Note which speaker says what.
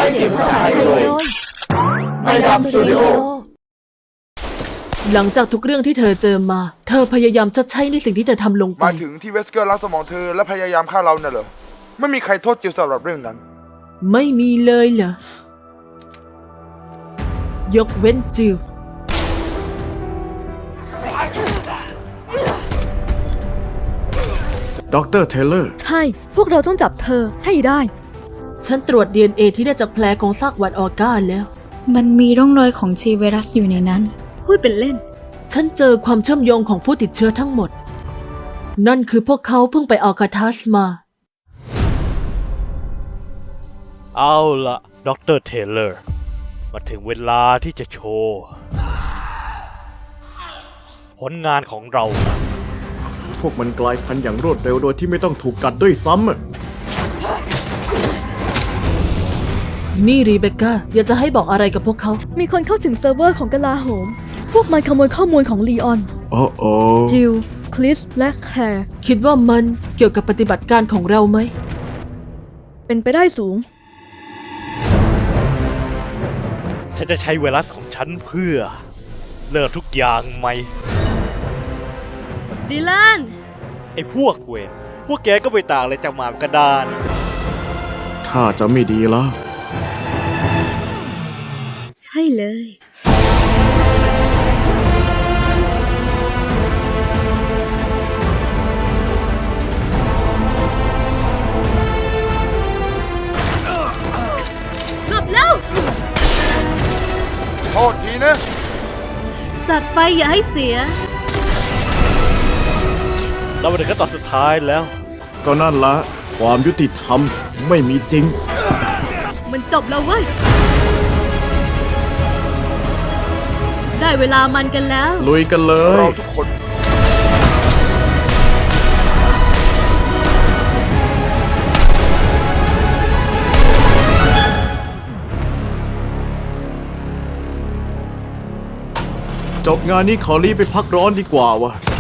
Speaker 1: ช้เสียงภาษาไทยโดยไมดำสตูดิโอ
Speaker 2: หลังจากทุกเรื่องที่เธอเจอมาเธอพยายามชดใช้ในสิ่งที่เธอทำลงไป
Speaker 3: มาถึงที่เวสเกอร์ล้างสมองเธอและพยายามฆ่าเราน่ะเหรอไม่มีใครโทษจิลสำหรับเรื่องนั้น
Speaker 2: ไม่มีเลยเหรอยกเว้นจิล
Speaker 4: ดร. เทเลอร์
Speaker 5: ใช่พวกเราต้องจับเธอให้ได้
Speaker 2: ฉันตรวจ DNA ที่ได้จากแผลของซากหวัดออก้าแล้ว
Speaker 6: มันมีร่องรอยของชีไวรัสอยู่ในนั้น
Speaker 5: พูดเป็นเล่น
Speaker 2: ฉันเจอความเชื่อมโยงของผู้ติดเชื้อทั้งหมดนั่นคือพวกเขาเพิ่งไปอัลคาทัสมา
Speaker 7: เอาละดร. เทเลอร์มาถึงเวลาที่จะโชว์ผลงานของเรา
Speaker 4: พวกมันกลายพันธุ์อย่างรวดเร็วโดยที่ไม่ต้องถูกกัดด้วยซ้ำ
Speaker 2: นี่รีเบคก้าอยากจะให้บอกอะไรกับพวกเขา
Speaker 5: มีคนเข้าถึงเซิร์ฟเวอร์ของกลาโหมพวกมันขโมยข้อมูลของลีออน
Speaker 4: โอ้โอ้
Speaker 5: จิลคริสและแคร์
Speaker 2: คิดว่ามันเกี่ยวกับปฏิบัติการของเราไหม
Speaker 5: เป็นไปได้สูง
Speaker 7: ฉันจะใช้ไวรัสของฉันเพื่อเลิกทุกอย่างไหม
Speaker 5: ดิแลน
Speaker 7: ไอ้พวกเวรพวกแกก็ไปต่างเลยจากหมากระดาน
Speaker 4: ถ้าจะไม่ดีแล้ว
Speaker 5: ใช่เลยหลบแล้ว
Speaker 3: โทษทีนะ
Speaker 5: จัดไปอย่าให้เสีย
Speaker 7: เราไปถึงขั้นตอนสุดท้ายแล้ว
Speaker 4: ก็นั่นละความยุติธรรมไม่มีจริง
Speaker 5: มันจบแล้วเว้ยได้เวลามันกันแล้ว
Speaker 4: ลุยกันเลย
Speaker 3: เราทุกคน
Speaker 4: จบงานนี้ขอรีบไปพักร้อนดีกว่าวะ